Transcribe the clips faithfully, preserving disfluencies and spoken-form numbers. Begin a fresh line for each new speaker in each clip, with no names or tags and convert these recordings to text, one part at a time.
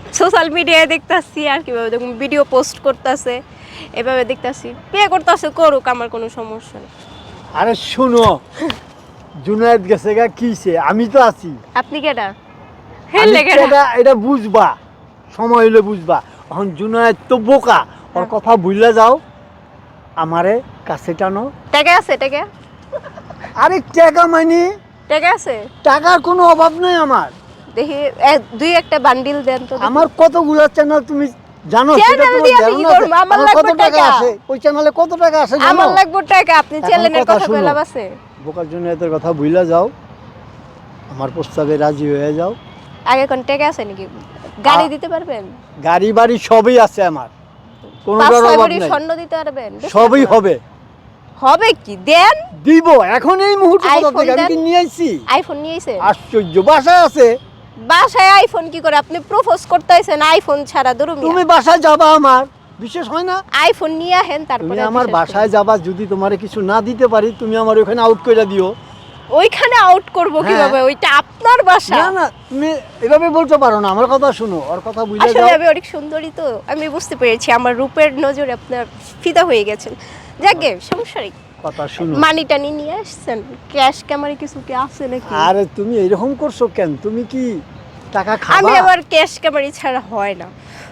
Social মিডিয়ায় দেখতাছি আর কিভাবে দেখুন ভিডিও পোস্ট করতেছে, এভাবে দেখতাছি বিয়ে করতেছে, করুক, আমার কোনো সমস্যা নেই।
আরে শুনো, জুনায়েদ গেছে গা কিছে, আমি তো আছি।
আপনি কেডা? হেল
আমি
লেগে
এটা এটা বুঝবা, সময় হইলে বুঝবা। এখন জুনায়েদ তো বোকা, ওর
হ্যাঁ।
কথা ভুললে যাও, আমারে কাছে টানো।
টাকা আছে? টাকা
আরে টাকা মানে
টাকা আছে?
টাকার কোনো অভাব নাই আমার।
দেখি এক- দুই একটা বান্ডিল দেন তো দেখি।
আমার কতগুলো চ্যানেল তুমি জানো? সেটা
চ্যানেল
তোমার
দিয়ে আমি কি
ধারণা আছে?
করবো? আমার
আমার
লাগবে
কত টাকা
টাকা।
আসে ওই চ্যানেলে, কত টাকা আসে জানো?
আমার লাগবে টাকা, আপনি
এখন
চ্যানেলের
কথা
কথা
শুনো।
কইলাম আছে।
বোকার জন্য এদের কথা ভুলে যাও, আমার প্রস্তাবে রাজি হয়ে যাও।
আগে কোন টাকা আছে নাকি? গাড়ি
আ-
দিতে পারবেন?
গাড়ি বাড়ি সবই আছে আমার,
পাঁচ
কোনোটার
ছয়
অভাব
ভরি
নাই।
স্বর্ণ দিতে পারবেন? বেশি
সবই
না।
হবে,
হবে কি দেন?
দিব এখন এই মুহূর্তে। কোথা
আইফোন
থেকে আমি
দেন।
কি নিয়ে আইছি?
আইফোন নিয়েছে?
আশ্চর্য, বাসায় আছে।
বাসায় আইফোন কি করে? আপনি প্রপোজ করতেছেন আইফোন ছাড়া? দূরমি
তুমি বাসায় যাবা, আমার বিশেষ হয় না?
আইফোন নিয়ে আহেন
তুমি
তারপরে
আমার
বিশ্বাস
বাসায়
করব।
যাবা, যদি তোমারে কিছু না দিতে পারি, তুমি আমার ওখানে আউট করে দিও।
ওইখানে আউট করব
হ্যাঁ।
কিভাবে? ওইটা আপনার বাসা।
না না, তুমি এভাবে বলতে পারো না, আমার কথা শুনো, ওর কথা বুঝে
আসলে
যাও।
আমি অনেক সুন্দরী তো, আমি বুঝতে পেরেছি আমার রূপের নজরে আপনার ফিদা হয়ে গেছেন। যাকে সমস্যা নেই।
কথা শুনো।
মানি টানি নিয়ে আসছেন? ক্যাশ ক্যামারে কিছু কি আছে নাকি?
আরে তুমি এরকম করছো কেন? তুমি কি টাকা
আমি
খাবা?
আবার ক্যাশ ক্যামারি ছাড়া হয় না।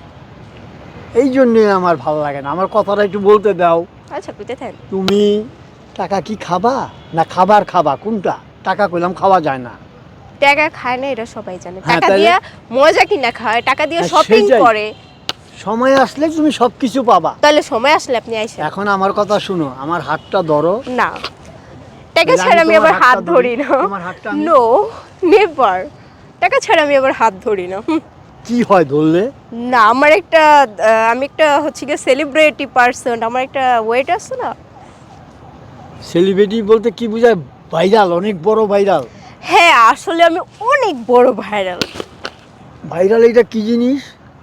এই জন্য আমার ভালো লাগে না, আমার কথাটা একটু বলতে দাও।
আচ্ছা বুঝতে থাকেন।
তুমি টাকা কি খাবা না খাবার খাবা, কোনটা? টাকা কইলাম খাওয়া যায় না।
টাকা খায় না এটা সবাই জানে।
হ্যাঁ,
টাকা
তাহলে?
দিয়া মজা কিনা খায়, টাকা দিয়ে
হ্যাঁ,
শপিং
সেটাই।
করে।
সময় আসলে তুমি সব কিছু পাবা।
তাহলে সময় আসলে আপনি আইসেন।
এখন আমার কথা শুনো, আমার হাতটা ধরো।
না, টাকা
তাহলে
ছাড়া
আমি
আমি
তোমার
আবার হাত
হাতটা
ধরি
ধরি?
না।
তোমার হাতটা আমি-
নো, নেভার। টাকা ছাড়া আমি আবার হাত ধরি না। হুম।
কি হয় ধরলে?
না, আমার একটা আহ, আমি একটা হচ্ছে গিয়ে সেলিব্রিটি পার্সন, আমার একটা ওয়েট আছে না।
সেলিব্রিটি বলতে কি বোঝায়? ভাইরাল, অনেক বড় ভাইরাল।
হ্যাঁ, আসলে আমি অনেক বড় ভাইরাল।
ভাইরাল এটা কি জিনিস?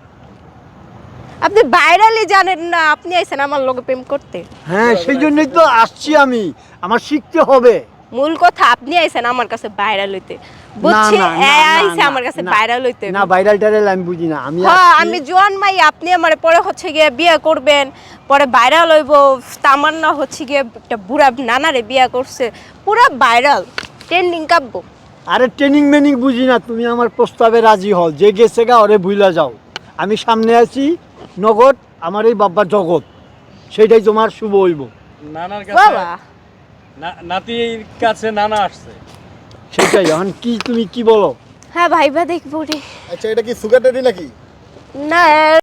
আপনি ভাইরালই জানেন না? আপনি আইছেন আমার লগে প্রেম করতে।
হ্যাঁ, সেই জন্যই তো আসছি আমি, আমার শিখতে হবে।
মূল কথা আপনি আইছেন আমার কাছে ভাইরাল হইতে, বুঝছি?
না, না, না,
আইছে
না,
আমার কাছে
না।
ভাইরাল হইতে।
না, ভাইরাল টাইরাল আমি বুঝি না। আমি
হ্যাঁ,
আসছি-
আমি জোয়ান মাই, আপনি আমার পরে হচ্ছে গিয়ে বিয়ে করবেন, পরে ভাইরাল হইব। তামান্না হচ্ছে গিয়ে একটা বুড়া নানারে বিয়ে করছে, পুরা ভাইরাল, ট্রেন্ডিং কাব্য।
আরে ট্রেনিং মেনিং বুঝি না, তুমি আমার প্রস্তাবে রাজি হও, যে গেছে গা ওরে ভুইলা যাও। আমি সামনে আছি, নগদ আমার এই বাব্বার জগৎ, সেটাই তোমার শুভ হইব।
নানার
বাবা,
কাছে না- নাতির কাছে নানা আসছে।
সেটাই। এখন কি তুমি কি বলো?
হ্যাঁ ভাইবা দেখবো রে।
আচ্ছা, এটা কি সুগার ড্যাডি নাকি?
না